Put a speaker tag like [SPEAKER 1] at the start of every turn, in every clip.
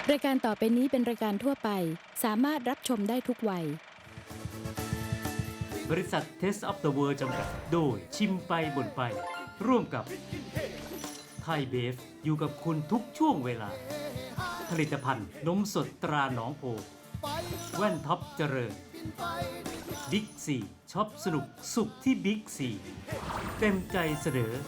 [SPEAKER 1] รายการต่อไปนี้เป็นรายการทั่วไปสามารถรับชมได้ทุกวัย
[SPEAKER 2] บริษัท Taste of the World จำกัดโดยชิมไปบ่นไปร่วมกับไทยเบฟอยู่กับคุณทุกช่วงเวลาผลิตภัณฑ์นมสดตราหนองโพแว่นท็อปเจริญบิ๊กซีช็อปสนุกสุขที่บิ๊กซีเต็มใจเสนอ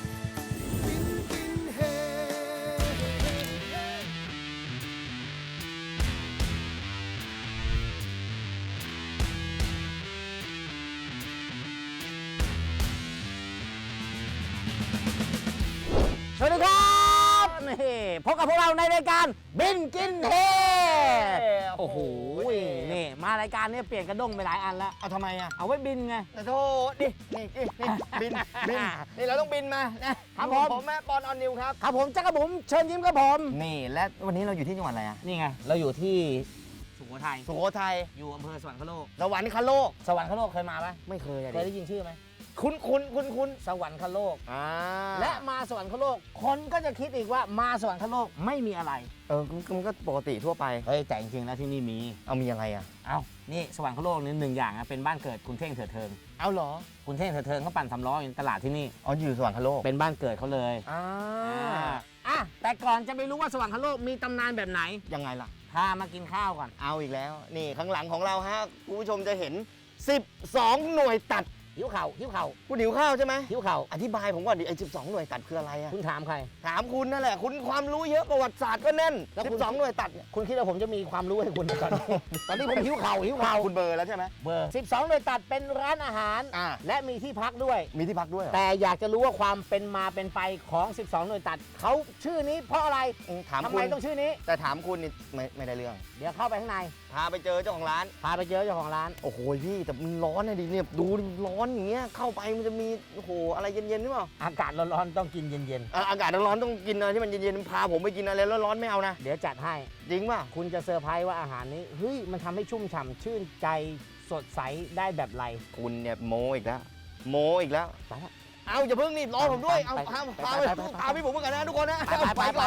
[SPEAKER 3] สวัสดีครับนี่พบกับพวกเราในรายการบินกินเฮโอ้โหนี่มารายการนี้เปลี่ยนกระด้งไปหลายอันแล้ว
[SPEAKER 4] เอาทำไมอ่ะ
[SPEAKER 3] เอาไว้บินไง
[SPEAKER 4] แต่โทษดินี่บินนี่เราต้องบินมานะครับ ผมแม่ปอนออนนิวครับ
[SPEAKER 3] ครับผมจักรบุ๋มเชิญยิ้มครับผม
[SPEAKER 4] นี่และวันนี้เราอยู่ที่จังหวัดอะไรอ่ะ
[SPEAKER 3] นี่ไงเราอยู่ที่สุโขทัย
[SPEAKER 4] สุโขทัย
[SPEAKER 3] อยู่อำเภอสวรรคโลก
[SPEAKER 4] สวรรคโลก
[SPEAKER 3] สวรรคโลกเคยมาไหม
[SPEAKER 4] ไม่เคยอะ
[SPEAKER 3] เคย
[SPEAKER 4] ดิ
[SPEAKER 3] ได้ยินชื่อไหม
[SPEAKER 4] คุ้น
[SPEAKER 3] สวรรคโลก
[SPEAKER 4] อ่า
[SPEAKER 3] และมาสวรรคโลกคนก็จะคิดอีกว่ามาสวรรคโลกไม่มีอะไร
[SPEAKER 4] มันก็ปกติทั่วไป
[SPEAKER 3] เฮ้ยแต่จริงๆแล้วที่นี่มี
[SPEAKER 4] เอามีอะไรอ่ะ
[SPEAKER 3] เอานี่สวรรคโลกนี่หนึ่งอย่างนะเป็นบ้านเกิดคุณเท่งเถิดเทิง
[SPEAKER 4] เอาเหรอ
[SPEAKER 3] คุณเท่งเถิดเทิงเขาปั่นสำล้ออยู่ในตลาดที่นี่
[SPEAKER 4] อ๋ออยู่สวรรคโลก
[SPEAKER 3] เป็นบ้านเกิดเขาเลย
[SPEAKER 4] อ่า
[SPEAKER 3] อ่ะแต่ก่อนจะไปรู้ว่าสวรรคโลกมีตำนานแบบไหน
[SPEAKER 4] ยังไงล่ะ
[SPEAKER 3] พามากินข้าวก่อน
[SPEAKER 4] เอาอีกแล้ว นี่ข้างหลังของเราฮะคุณผู้ชมจะเห็น 12 หน่วยตัด
[SPEAKER 3] หิวเข่าหิวเข่า
[SPEAKER 4] คุณหิวข้าวใช่ไหม
[SPEAKER 3] หิวเข่า
[SPEAKER 4] อธิบายผมก่อนดิไอ้12 หน่วยตัดคืออะไรอ่ะ
[SPEAKER 3] คุณถามใคร
[SPEAKER 4] ถามคุณนั่นแหละคุณความรู้เยอะประวัติศาสตร์ก็แน่น
[SPEAKER 3] แล้วคุณ
[SPEAKER 4] 12 หน่วยตัดเนี่ย
[SPEAKER 3] คุณคิดว่าผมจะมีความรู้ให้คุณก่อน ตอนนี้ผมหิวเข่าหิวเข่า
[SPEAKER 4] คุณเบอร์แล้วใช่ไหม
[SPEAKER 3] เบอร์12หน่วยตัดเป็นร้านอาหาร
[SPEAKER 4] อ่า
[SPEAKER 3] และมีที่พักด้วย
[SPEAKER 4] มีที่พักด้วยเหรอ
[SPEAKER 3] แต่อยากจะรู้ว่าความเป็นมาเป็นไปของ 12 หน่วยตัดเขาชื่อนี้เพราะอะไร
[SPEAKER 4] ถาม
[SPEAKER 3] ทำ
[SPEAKER 4] คุ
[SPEAKER 3] ไม
[SPEAKER 4] ณ
[SPEAKER 3] ต้องชื่อนี้
[SPEAKER 4] แต่ถามคุณนี่ไม่ได้เรื่อง
[SPEAKER 3] เดี๋ยวเข้าไปข้างใน
[SPEAKER 4] พาไปเจอเจ้าของร้าน
[SPEAKER 3] พาไปเจอเจ้าของร้าน
[SPEAKER 4] โอ้โหพี่แต่มันร้อนนะดิเนี่ยดูดิร้อนอย่างเงี้ยเข้าไปมันจะมีโอ้โหอะไรเย็นๆหรือเปล่า
[SPEAKER 3] อากาศร้อนๆต้องกินเย็น
[SPEAKER 4] อากาศร้อนๆต้องกินอะไรที่มันเย็นๆพาผมไปกินอะไรร้อนๆไม่เอานะ
[SPEAKER 3] ๆเดี๋ยวจัดให้
[SPEAKER 4] จริงป่ะ
[SPEAKER 3] คุณจะเซอร์ไพรส์ว่าอาหารนี้เฮ้ยมันทำให้ชุ่มฉ่ำชื่นใจสดใสได้แบบไร
[SPEAKER 4] คุณเนี่ยโมอีกแล้วโมอีกแล้ว
[SPEAKER 3] ไปละ
[SPEAKER 4] เอาอย่าเพิ่งนี่รอผมด้วยเอา
[SPEAKER 3] ไป
[SPEAKER 4] พา
[SPEAKER 3] ไป
[SPEAKER 4] พา
[SPEAKER 3] ไป
[SPEAKER 4] ไป
[SPEAKER 3] ไป
[SPEAKER 4] พาพี่ผมมากันนะทุกคนนะ
[SPEAKER 3] ไป
[SPEAKER 4] ก่อน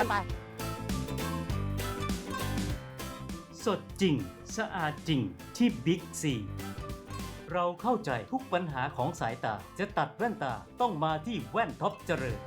[SPEAKER 2] สดจริงสะอาดจริงที่บิ๊กซีเราเข้าใจทุกปัญหาของสายตาจะตัดแว่นตาต้องมาที่แว่นท็อปเจริญ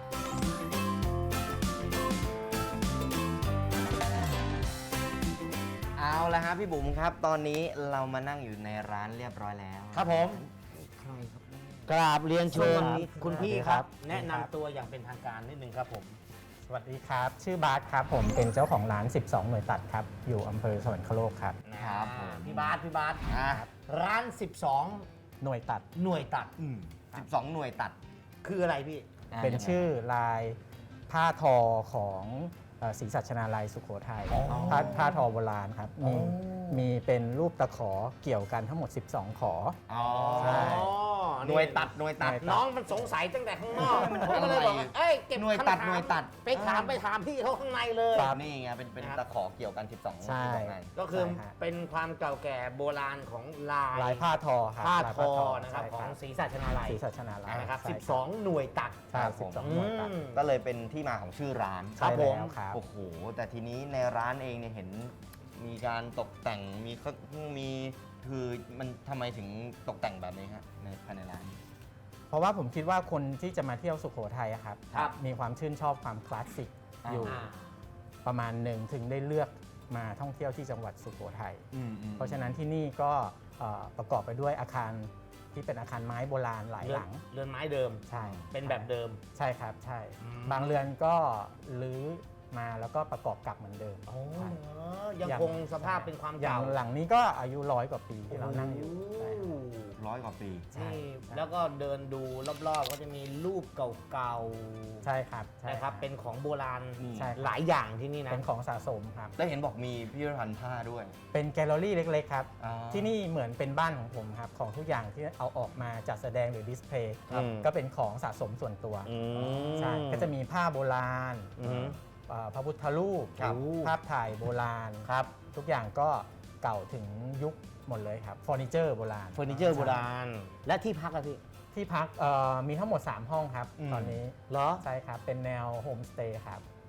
[SPEAKER 4] เอาละฮะพี่บุ๋มครับ ตอนนี้เรามานั่งอยู่ในร้านเรียบร้อยแล้ว
[SPEAKER 3] ครับผม
[SPEAKER 4] ใครครับเนี่ย
[SPEAKER 3] กราบเรียนเชิญ
[SPEAKER 5] สวัสดีครับ
[SPEAKER 3] คุณพี่
[SPEAKER 5] สวัสดี
[SPEAKER 3] ค
[SPEAKER 5] ครั
[SPEAKER 3] รับ
[SPEAKER 5] บ
[SPEAKER 3] แนะนำตัวอย่างเป็นทางการนิดนึงครับผม
[SPEAKER 5] สวัสดีครับ ชื่อบาสครับ ผมเป็นเจ้าของร้าน 12 หน่วยตัดครับ อยู่อำเภอสวรรคโลกครับ
[SPEAKER 4] ครับผม
[SPEAKER 3] พี่บาส
[SPEAKER 4] อ่า
[SPEAKER 3] ร้าน
[SPEAKER 5] หน่วยตัด
[SPEAKER 3] 12 หน่วยตัด
[SPEAKER 4] 12 หน่วยตัด
[SPEAKER 3] คืออะไรพี่
[SPEAKER 5] เป็นชื่อลายผ้าทอของศรีสัชนาลัยสุโขทัยผ้าทอโบราณครับมีเป็นรูปตะขอเกี่ยวกันทั้งหมด 12 ขอ
[SPEAKER 4] อ๋อ
[SPEAKER 5] ใช่
[SPEAKER 4] หน่วยตัดหน่วยตัด
[SPEAKER 3] น้องมันสงสัยตั้งแต่ข้างนอกผมก็เลยบอกว่าเอ้ยเก็บ
[SPEAKER 4] หน่วยตัด
[SPEAKER 3] คำถาม
[SPEAKER 4] หน่วยตัด
[SPEAKER 3] ไปถามพี่เขาข้างในเลย
[SPEAKER 4] นี่ไงเป็น
[SPEAKER 3] ครับ
[SPEAKER 4] ตะขอเกี่ยวกัน 12
[SPEAKER 5] ใช่
[SPEAKER 4] ไง
[SPEAKER 3] ก็คือ
[SPEAKER 5] ใช่ฮะ
[SPEAKER 3] เป็นความเก่าแก่โบราณของลาย
[SPEAKER 5] ลายผ้าทอครับ
[SPEAKER 3] ผ้า
[SPEAKER 5] ลาย
[SPEAKER 3] ทอนะครับ
[SPEAKER 5] ใช่
[SPEAKER 3] ของศรีสัชนาลัย
[SPEAKER 5] ศรีสัชนาลัย
[SPEAKER 3] นะครับ
[SPEAKER 5] ใช่
[SPEAKER 3] 12 หน่วยตัด
[SPEAKER 5] ใช่
[SPEAKER 4] ครับผม
[SPEAKER 5] 12 หน่วยตัด
[SPEAKER 4] ก็เลยเป็นที่มาของชื่อร้าน
[SPEAKER 3] ครั
[SPEAKER 5] ใช่
[SPEAKER 3] บผม
[SPEAKER 5] แล้วครับ
[SPEAKER 4] โอ้โห แต่ทีนี้ในร้านเองเนี่ยเห็นมีการตกแต่งมีคือมันทำไมถึงตกแต่งแบบนี้ฮะในภายในร้าน
[SPEAKER 5] เพราะว่าผมคิดว่าคนที่จะมาเที่ยวสุโขทัยอะครับ
[SPEAKER 3] ครับ
[SPEAKER 5] มีความชื่นชอบความคลาสสิกอยู่
[SPEAKER 3] อ่า
[SPEAKER 5] ประมาณหนึ่งถึงได้เลือกมาท่องเที่ยวที่จังหวัดสุโขทัย เพราะฉะนั้นที่นี่ก็ประกอบไปด้วยอาคารที่เป็นอาคารไม้โบราณหลายหลัง
[SPEAKER 3] เรือนไม้เดิม
[SPEAKER 5] ใช่
[SPEAKER 3] เป็นแบบเดิม
[SPEAKER 5] ใช่ครับใช่
[SPEAKER 3] อืม
[SPEAKER 5] บางเรือนก็รื้อมาแล้วก็ประกอบกลับเหมือนเดิม
[SPEAKER 3] โอ้
[SPEAKER 5] ใช่
[SPEAKER 3] ยังคงสภาพเป็นความ
[SPEAKER 5] อย่า
[SPEAKER 3] เก่า
[SPEAKER 5] งหลังนี้ก็อายุ100 กว่าปีที่เรานั่งอยู่ใช่ครับ
[SPEAKER 4] 100 กว่าปี
[SPEAKER 5] ใช่
[SPEAKER 3] นี่
[SPEAKER 5] ใช่
[SPEAKER 3] แล้วก็เดินดูรอบๆ ก็จะมีรูปเก่า
[SPEAKER 5] ใช่ครับ
[SPEAKER 3] ๆ
[SPEAKER 5] ใช่
[SPEAKER 3] นะครับ เป็นของโบราณ
[SPEAKER 5] ใช่ครับ
[SPEAKER 3] หลายอย่างที่นี่นะ
[SPEAKER 5] เป็นของสะสมครับ
[SPEAKER 4] แล้วเห็นบอกมีพิพิธภัณฑ์ผ้าด้วย
[SPEAKER 5] เป็นแกลเลอรี่เล็กๆครับ
[SPEAKER 4] อ๋อ
[SPEAKER 5] ที่นี่เหมือนเป็นบ้านของผมครับ ของทุกอย่างที่เอาออกมาจัดแสดงหรือดิสเพลย์
[SPEAKER 4] ครับ
[SPEAKER 5] ก็เป็นของสะสมส่วนตัว ใช่ ก็จะมีผ้าโบราณ
[SPEAKER 3] อือฮึ
[SPEAKER 5] พระพุทธรูป
[SPEAKER 4] ครับ
[SPEAKER 5] ภาพถ่ายโบราณ
[SPEAKER 3] ครับ
[SPEAKER 5] ทุกอย่างก็เก่าถึงยุคหมดเลยครับเฟอร์นิเจอร์โบราณ
[SPEAKER 3] เฟอร์นิเจอร์โบราณ และที่พักอะพี่
[SPEAKER 5] ที่พักมีทั้งหมด 3 ห้องครับ ตอนนี้
[SPEAKER 3] เหรอ
[SPEAKER 5] ใช่ครับ เป็นแนวโฮมสเตย์ครับ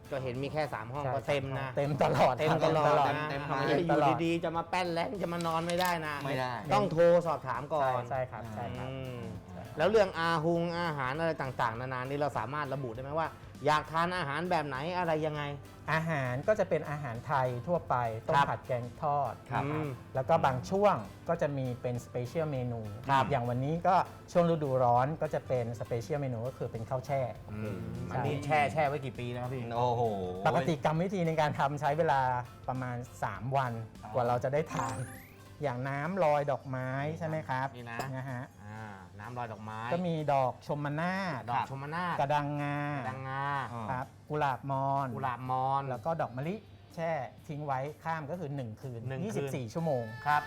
[SPEAKER 3] ก็เห็นมีแค่ 3 ห้อง
[SPEAKER 5] ใช่
[SPEAKER 3] ก็เต็มนะ
[SPEAKER 5] เต็มตลอด
[SPEAKER 3] เต็ม
[SPEAKER 5] ครับ
[SPEAKER 3] ตลอด
[SPEAKER 5] เต็ม
[SPEAKER 3] นะ
[SPEAKER 4] เต็ม
[SPEAKER 3] ทำไม
[SPEAKER 4] เต็ม
[SPEAKER 3] อ
[SPEAKER 5] ตลอด
[SPEAKER 3] ยู่ดีๆ จะมาแป้นแล้งจะมานอนไม่ได้นะ
[SPEAKER 4] ไม่ได้
[SPEAKER 3] ต้องโทรสอบถามก่อน
[SPEAKER 5] ใช่ครับใช่ครับ
[SPEAKER 3] อืมแล้วเรื่องอาหารอะไรต่างๆ นานานี่เราสามารถระบุได้ไหมว่า อยากทานอาหารแบบไหนอะไรยังไง
[SPEAKER 5] อาหารก็จะเป็นอาหารไทยทั่วไปต้
[SPEAKER 3] ค
[SPEAKER 5] ม
[SPEAKER 3] รับ
[SPEAKER 5] ผัดแกงทอด
[SPEAKER 3] ครับ
[SPEAKER 5] นะแล้วก็บางช่วงก็จะมีเป็นสเปเชียลเมนู
[SPEAKER 3] ครับ
[SPEAKER 5] อย่างวันนี้ก็ช่วงฤดูร้อนก็จะเป็นสเปเชียลเมนูก็คือเป็นข้าวแช่
[SPEAKER 3] อันนี้แช่ไว้กี่ปีแล้วครับพี่
[SPEAKER 4] โอ้โห
[SPEAKER 5] ปกติกรรมวิธีในการทำใช้เวลาประมาณ 3 วันกว่าเราจะได้ทาน อย่างน้ำลอยดอกไม้ใช่ไหมครับ
[SPEAKER 3] นี่นะ
[SPEAKER 5] ฮะ
[SPEAKER 3] น้ำลอยดอกไม้
[SPEAKER 5] ก็มีดอกชมนาศ
[SPEAKER 3] ดอกชมนาศ
[SPEAKER 5] กระดังงา
[SPEAKER 3] ดังงา
[SPEAKER 5] ครับกุหลาบมอน
[SPEAKER 3] กุหลาบมอน
[SPEAKER 5] แล้วก็ดอกมะลิแช่ทิ้งไว้ข้ามก็คือ 1 คืน
[SPEAKER 3] 1 คืน
[SPEAKER 5] 24 ชั่วโมง
[SPEAKER 3] ครับ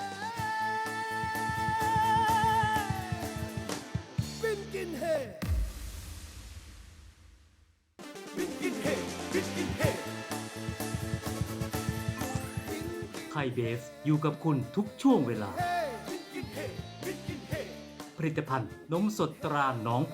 [SPEAKER 2] ไทยเบฟอยู่กับคุณทุกช่วงเวลา ผลิตภัณฑ์นมสดตราหนองโพ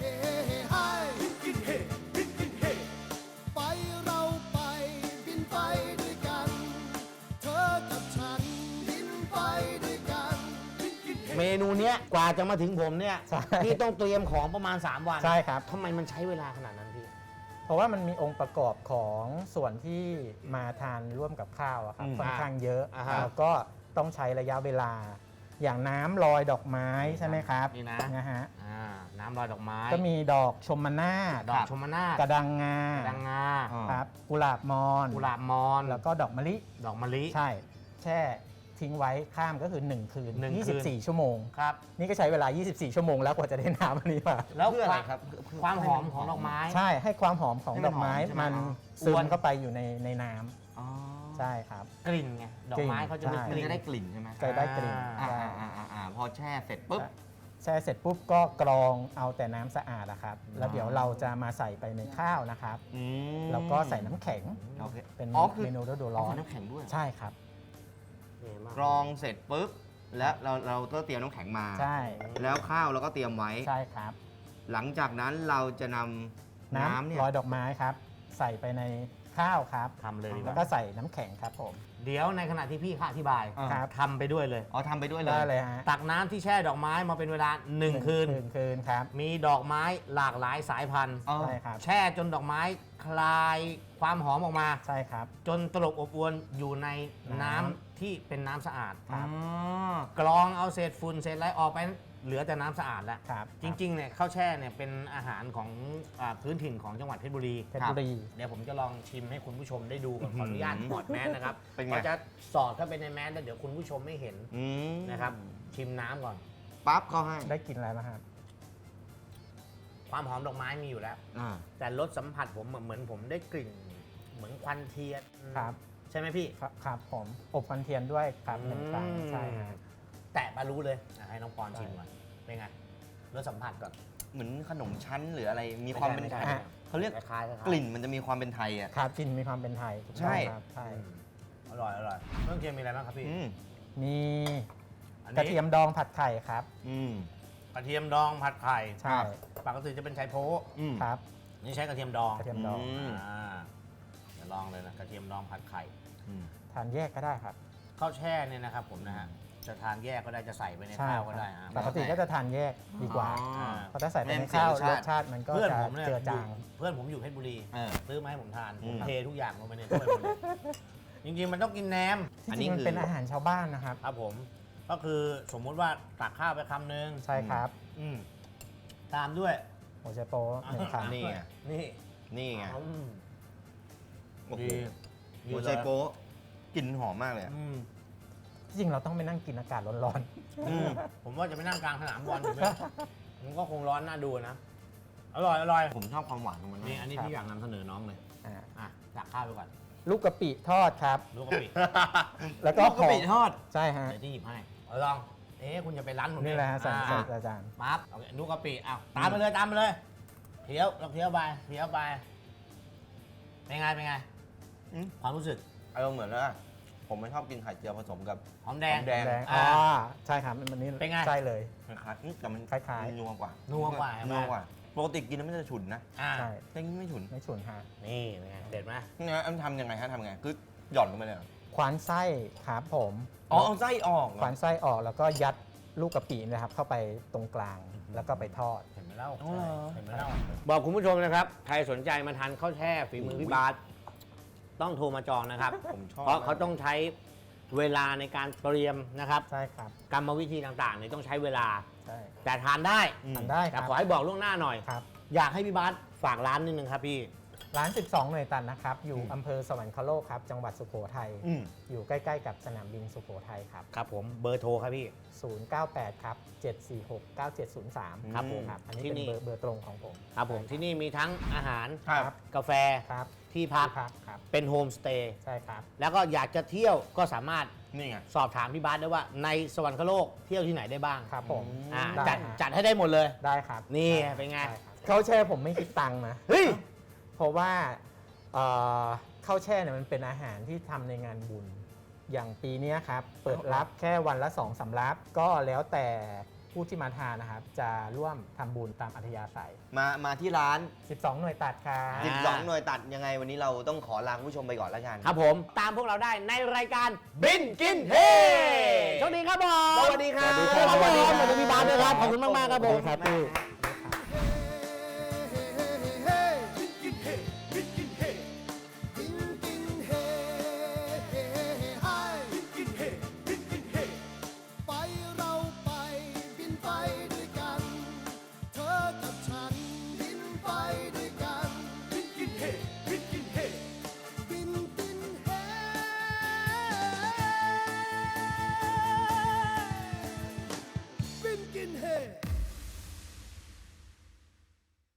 [SPEAKER 6] ไปเราไปบินไปด้วยกัน เธอกับฉันบินไปด้วยกัน
[SPEAKER 3] เมนูเนี้ยกว่าจะมาถึงผมเนี่ย
[SPEAKER 5] ใช่
[SPEAKER 3] พี่ต้องเตรียมของประมาณ 3 วัน
[SPEAKER 5] ใช่ครับ
[SPEAKER 3] ทำไมมันใช้เวลาขนาดนั้นพี่
[SPEAKER 5] เพราะว่ามันมีองค์ประกอบของส่วนที่มาทานร่วมกับข้าวอะครับ
[SPEAKER 4] อืม
[SPEAKER 5] ค่อนข้างเยอะ
[SPEAKER 3] อ่าฮะ
[SPEAKER 5] แล้วก็ต้องใช้ระยะเวลา อย่างน้ำลอยดอกไม้ใช่ไหมครับ
[SPEAKER 3] นี่นะ
[SPEAKER 5] ฮะ
[SPEAKER 3] น้ำลอยดอกไม้
[SPEAKER 5] ก็มีดอกชมนาศ
[SPEAKER 3] ดอกชมนาศ
[SPEAKER 5] กระดังงา
[SPEAKER 3] ดังงา
[SPEAKER 5] ครับกุหลาบมอน
[SPEAKER 3] กุหลาบมอน
[SPEAKER 5] แล้วก็ดอกมะลิ
[SPEAKER 3] ดอกมะลิ
[SPEAKER 5] ใช่ แช่ทิ้งไว้ข้ามก็คือ 1 คืน
[SPEAKER 3] หนึ่งคืน
[SPEAKER 5] 24 ชั่วโมง
[SPEAKER 3] ครับ
[SPEAKER 5] นี่ก็ใช้เวลา 24 ชั่วโมงแล้วกว่าจะได้น้ำอันนี้มา
[SPEAKER 3] แล้ว
[SPEAKER 4] เพื่ออะไรครับ
[SPEAKER 3] ความหอมของดอกไม้
[SPEAKER 5] ใช่ให้ความหอมของ
[SPEAKER 4] ให้
[SPEAKER 5] ด
[SPEAKER 4] มัน
[SPEAKER 5] อกไม้
[SPEAKER 4] หอมใช่ไหม
[SPEAKER 5] มัน
[SPEAKER 3] อ๋อ
[SPEAKER 5] ซึ
[SPEAKER 3] อ
[SPEAKER 5] ม
[SPEAKER 3] วน
[SPEAKER 5] เข้าไปอยู่ในน้ำ
[SPEAKER 4] อ๋อ
[SPEAKER 5] ใช่ครับ
[SPEAKER 3] กลิ่นไง ดอกไม้เขาจะมี
[SPEAKER 5] ใช่
[SPEAKER 3] ก
[SPEAKER 4] มัน
[SPEAKER 3] ลิ่น
[SPEAKER 4] จะได้กลิ่นใช่ไหม
[SPEAKER 5] จะได้กลิ่น
[SPEAKER 3] อ่า
[SPEAKER 5] ใช่
[SPEAKER 4] พอแช่เสร็จปุ๊บ
[SPEAKER 5] แช่เสร็จปุ๊บก็กรองเอาแต่น้ำสะอาดนะครับ แล้วเดี๋ยวเราจะมาใส่ไปในข้าวนะครับ แล้วก็ใส่น้ำแข็ง
[SPEAKER 4] โอเค
[SPEAKER 5] เป็น
[SPEAKER 4] อ๋อคือ
[SPEAKER 5] เมนูฤดู
[SPEAKER 4] ร้
[SPEAKER 5] ร้
[SPEAKER 4] อ
[SPEAKER 5] อน น
[SPEAKER 4] น้ำแข็งด้วย
[SPEAKER 5] ใช่ครับ
[SPEAKER 3] นี่มาก
[SPEAKER 4] กรองเสร็จปุ๊บ แล้วเราก็เตรียมน้ำแข็งมา
[SPEAKER 5] ใช่
[SPEAKER 4] แล้วข้าวเราก็เตรียมไว้
[SPEAKER 5] ใช่ครับ
[SPEAKER 4] หลังจากนั้นเราจะนำน้ำเนี่ย
[SPEAKER 5] ลอยดอกไม้ครับ ใส่ไปในข้าวครับ
[SPEAKER 3] ทำเลยดีก
[SPEAKER 5] แล้ว
[SPEAKER 3] ว่า
[SPEAKER 5] ก็ใส่น้ำแข็งครับผม
[SPEAKER 3] เดี๋ยวในขณะที่พี่ข้าอธิบาย
[SPEAKER 5] ครับ
[SPEAKER 3] ทำไปด้วยเลย
[SPEAKER 4] อ๋อทำไปด้วยเลย
[SPEAKER 5] ได้เลยฮะ
[SPEAKER 3] ตักน้ำที่แช่ดอกไม้มาเป็นเวลา 1 คืน
[SPEAKER 5] คืนครับ
[SPEAKER 3] มีดอกไม้หลากหลายสายพันธุ์
[SPEAKER 4] อ๋อ
[SPEAKER 5] ใช่ครับ
[SPEAKER 3] แช่จนดอกไม้คลายความหอมออกมา
[SPEAKER 5] ใช่ครับ
[SPEAKER 3] จนตลบอบอวนอยู่ในน้ำ
[SPEAKER 5] น้
[SPEAKER 3] ที่เป็นน้ำสะอาด
[SPEAKER 5] ครับ
[SPEAKER 3] กรองเอาเศษฝุ่นเศษอะไรออกไปเหลือแต่น้ำสะอาดแล้ว
[SPEAKER 5] ครับ
[SPEAKER 3] จริงๆเนี่ยข้าวแช่เนี่ยเป็นอาหารของพื้นถิ่นของจังหวัดเพชรบุรี
[SPEAKER 5] เพชรบุรี
[SPEAKER 3] เดี๋ยวผมจะลองชิมให้คุณผู้ชมได้ดูก่อนขออนุญาตถอดแมสนะครับ
[SPEAKER 4] เป็นไง
[SPEAKER 3] เราจะสอดเข้าไปในแมสแล้วเดี๋ยวคุณผู้ชมไม่เห็น
[SPEAKER 4] อืม
[SPEAKER 3] นะครับ ชิมน้ำก่อน
[SPEAKER 4] ปั๊บเขาให้
[SPEAKER 5] ได้กินอะไรบ้างครับ
[SPEAKER 3] ความหอมดอกไม้มีอยู่แล้ว
[SPEAKER 4] อ่า
[SPEAKER 3] แต่รสสัมผัสผมเหมือนผมได้กลิ่น เหมือนควันเทียน
[SPEAKER 5] ครับ
[SPEAKER 3] ใช่ไหมพี่
[SPEAKER 5] ครับผมอบควันเทียนด้วยครับหนึ่งครั้งใช่ฮะ
[SPEAKER 3] แตะมารู้เลยให้น้องปอนชิมก่อนเป็นไงรสสัมผัสก่อน
[SPEAKER 4] เหมือนขนมชั้นหรืออะไรมีความเป็น
[SPEAKER 3] ไม่ใช่
[SPEAKER 4] ไทยเขาเรียก
[SPEAKER 3] คล้ายๆคล้ายๆ
[SPEAKER 4] กลิ่นมันจะมีความเป็นไทยอ่ะ
[SPEAKER 5] ครับกลินมีความเป็นไทยถูกต้อง
[SPEAKER 4] ใช่
[SPEAKER 5] ครับใช่
[SPEAKER 3] อร่อยอร่อยเครื่องเคียงมีอะไรบ้างครับพี่
[SPEAKER 4] อืม
[SPEAKER 5] มี
[SPEAKER 3] อัน
[SPEAKER 5] กระ
[SPEAKER 3] นี้
[SPEAKER 5] เทียมดองผัดไข่ครับ
[SPEAKER 4] อืม
[SPEAKER 3] กระเทียมดองผัดไข่
[SPEAKER 5] ใช่
[SPEAKER 3] ปกติจะเป็นไชโป๊ะ
[SPEAKER 4] อืม
[SPEAKER 5] ครับ
[SPEAKER 3] นี่ใช้กระเทียมดอง
[SPEAKER 5] กระเทียมดอง
[SPEAKER 4] ม
[SPEAKER 3] เดี๋ยวลองเลยนะกระเทียมดองผัดไข่
[SPEAKER 4] อืม
[SPEAKER 5] ทานแยกก็ได้ครับ
[SPEAKER 3] ข้าวแช่เนี่ยนะครับผมนะฮะจะทานแยกก็ได้จะใส่ไปใน
[SPEAKER 5] ใช่
[SPEAKER 3] ข้าว
[SPEAKER 5] ค
[SPEAKER 3] ก็
[SPEAKER 5] รับ
[SPEAKER 3] ได้นะ
[SPEAKER 5] ปกติก็จะทานแยกดีกว่า
[SPEAKER 4] อ๋อ
[SPEAKER 5] เพราะถ้าใส่ไป
[SPEAKER 4] ไม่
[SPEAKER 5] ใน
[SPEAKER 4] เสีย
[SPEAKER 5] ข้าว
[SPEAKER 4] รสชาติ
[SPEAKER 5] รสชาติมันก็
[SPEAKER 3] เพื่อน
[SPEAKER 5] จะ
[SPEAKER 3] ผมเนี่ย
[SPEAKER 5] เจือจาง
[SPEAKER 3] เพื่อนผมอยู่เพชรบุรี
[SPEAKER 4] เออ
[SPEAKER 3] ซื้อมาให้ผมทาน
[SPEAKER 4] อื
[SPEAKER 3] ผม
[SPEAKER 4] ม
[SPEAKER 3] เททุกอย่างลงไปในถ้วยหมดเลยจริงๆมันต้องกินแหนม
[SPEAKER 5] ที่
[SPEAKER 4] อัน
[SPEAKER 5] จ
[SPEAKER 4] นี้
[SPEAKER 5] ริงมัน
[SPEAKER 4] คือ
[SPEAKER 5] เป็นอาหารชาวบ้านนะครับ
[SPEAKER 3] ครับผม ก็คือสมมุติว่าตักข้าวไปคำนึง
[SPEAKER 5] ใช่ครับ
[SPEAKER 3] อืมตามด้วย
[SPEAKER 5] โอเชโปหนึ่งคำ
[SPEAKER 4] นี่ไง
[SPEAKER 3] นี่
[SPEAKER 4] นี่ไง
[SPEAKER 3] อืม
[SPEAKER 4] โอ้โห
[SPEAKER 3] ดี
[SPEAKER 4] หัวใจโป๊ะกลิ่นหอมมากเลยอะ
[SPEAKER 3] อืม
[SPEAKER 5] ที่จริงเราต้องไปนั่งกินอากาศร้อน
[SPEAKER 4] อืม
[SPEAKER 3] ผมว่าจะไปนั่งกลางสนามบอลอยู่ไหมมันก็คงร้อนน่าดูนะ อร่อยอร่อย
[SPEAKER 4] ผมชอบความหวานของมัน
[SPEAKER 3] นี่
[SPEAKER 4] มาก
[SPEAKER 3] อันนี้พี่อยากนำเสนอน้องเลย
[SPEAKER 5] ๆอ่า
[SPEAKER 3] อ่ะตักข้าวไปก่อน
[SPEAKER 5] ลูกกะปิทอดครับ
[SPEAKER 3] ลูกกะปิ
[SPEAKER 5] แล้วก็
[SPEAKER 4] ลูกกะปิ
[SPEAKER 5] ห่อ
[SPEAKER 4] ทอด
[SPEAKER 5] ใช่ฮะ
[SPEAKER 3] เดี๋ยวที่หยิบให้เอาลอง คุณจะไปร้านผม
[SPEAKER 5] นี่แหละฮะใส่
[SPEAKER 3] อ่า
[SPEAKER 5] ใส่อาจารย์
[SPEAKER 3] ปั๊บโอเคลูกกะปิอ้าวตามไปเลยตามไปเลยเคี้ยวเราเคี้ยวไปเคี้ยวไปเป็นไงเป็นไง
[SPEAKER 4] อืม
[SPEAKER 3] ความรู้สึก
[SPEAKER 4] อารมณ์เหมือนว่าผมไม่ชอบกินไข่เจียวผสมกับ
[SPEAKER 3] หอมแดง
[SPEAKER 4] หอมแดง
[SPEAKER 5] แดง
[SPEAKER 3] อ่า
[SPEAKER 5] ใช่ครับมันนี้
[SPEAKER 3] เป็นไง
[SPEAKER 5] ใช่เลย
[SPEAKER 4] คล้ายๆแต่มัน
[SPEAKER 5] คล้ายๆ
[SPEAKER 4] นัวกว่า
[SPEAKER 3] นัวกว่าใช่ไหม
[SPEAKER 4] นัวกว่าปกติกินแล้วมันจะฉุนนะ
[SPEAKER 3] อ่า
[SPEAKER 5] ใช่
[SPEAKER 4] แต่นี่ไม่ฉุน
[SPEAKER 5] ไม่ฉุนฮะ
[SPEAKER 3] นี่ไงเด็ดไหม
[SPEAKER 4] นะทำยังไงฮะทำยังไงคือหย่อนลงไปเลยเหรอ
[SPEAKER 5] ควานไส้ครับผม
[SPEAKER 4] อ๋อเอาไส้ออกเหรอ
[SPEAKER 5] ควานไส้ออกแล้วก็ยัดลูกกะปินะครับ เข้าไปตรงกลางแล้วก็ไปทอด
[SPEAKER 3] เห็นไหมเล่า
[SPEAKER 4] อ๋อเหรอ
[SPEAKER 3] เห็นไหมเล่าบอกคุณผู้ชมนะครับ ใครสนใจมาทานข้าวแช่ฝีมือพี่บาสต้องโทรมาจองนะครับ
[SPEAKER 4] ผมชอบ
[SPEAKER 3] เพราะเขาต้องใช้เวลาในการเตรียมนะครับ
[SPEAKER 5] ใช่ครับ
[SPEAKER 3] กรรมวิธีต่างๆเนี่ยต้องใช้เวลา
[SPEAKER 5] ใช่
[SPEAKER 3] แต่ทานได้
[SPEAKER 5] ทานได้ค
[SPEAKER 3] แต่
[SPEAKER 5] รับ
[SPEAKER 3] ขอให้บอกล่วงหน้าหน่อย
[SPEAKER 5] ครับ
[SPEAKER 3] อยากให้พี่บาสฝากร้านนิดนึงครับพี่
[SPEAKER 5] ร้าน 12 หน่วยตันนะครับ อยู่อำเภอสวรรคโลกครับ จังหวัดสุโขทัย
[SPEAKER 4] อืม
[SPEAKER 5] อยู่ใกล้ ๆ กับสนามบินสุโขทัยครับ
[SPEAKER 3] ครับผมเบอร์โทรครับพี่
[SPEAKER 5] 098 ครับ 746 9703
[SPEAKER 3] ครับผม
[SPEAKER 5] ครับ อันนี้
[SPEAKER 3] ที่
[SPEAKER 5] เป็น
[SPEAKER 3] นี่
[SPEAKER 5] เบอร์ตรงของผม
[SPEAKER 3] ครับผมที่นี่มีทั้งอาหาร
[SPEAKER 4] ครับ
[SPEAKER 3] กาแฟ
[SPEAKER 5] ครับ
[SPEAKER 3] ที่พัก
[SPEAKER 5] ที่พักครับ
[SPEAKER 3] เป็นโฮมสเตย์
[SPEAKER 5] ใช่ครับ
[SPEAKER 3] แล้วก็อยากจะเที่ยวก็สามารถ
[SPEAKER 4] นี่ไง
[SPEAKER 3] สอบถามพี่บาสได้ว่าในสวรรคโลกเที่ยวที่ไหนได้บ้าง
[SPEAKER 5] ครับผม
[SPEAKER 3] อ่า
[SPEAKER 5] ได้
[SPEAKER 3] จัดให้ได้หมดเลย
[SPEAKER 5] ได้ครับ
[SPEAKER 3] นี่
[SPEAKER 5] ด้
[SPEAKER 3] เป็นไง
[SPEAKER 5] ด้ครับข้าวแช่ผมไม่คิดตังค์นะ
[SPEAKER 3] เฮ้ย
[SPEAKER 5] เพราะว่าข้าวแช่เนี่ยมันเป็นอาหารที่ทำในงานบุญ อย่างปีเนี้ยครับ เปิดรับแค่วันละ2 สำรับ ก็แล้วแต่ผู้ที่มาทานนะครับ จะร่วมทำบุญตามอัธยาศัย
[SPEAKER 4] มาที่ร้าน
[SPEAKER 5] 12 หน่วยตัดครับ
[SPEAKER 4] 12 หน่วยตัดยังไงวันนี้เราต้องขอลาคุณผู้ชมไปก่อนแล้วกัน
[SPEAKER 3] ครับผมตามพวกเราได้ในรายการบินกินเฮโชคดีครับผม
[SPEAKER 4] สวัสดีครับ
[SPEAKER 3] สวัสดีครับขอบคุณพี่บาสด้วยครับขอบคุณมากๆครับผม
[SPEAKER 5] ครับพี่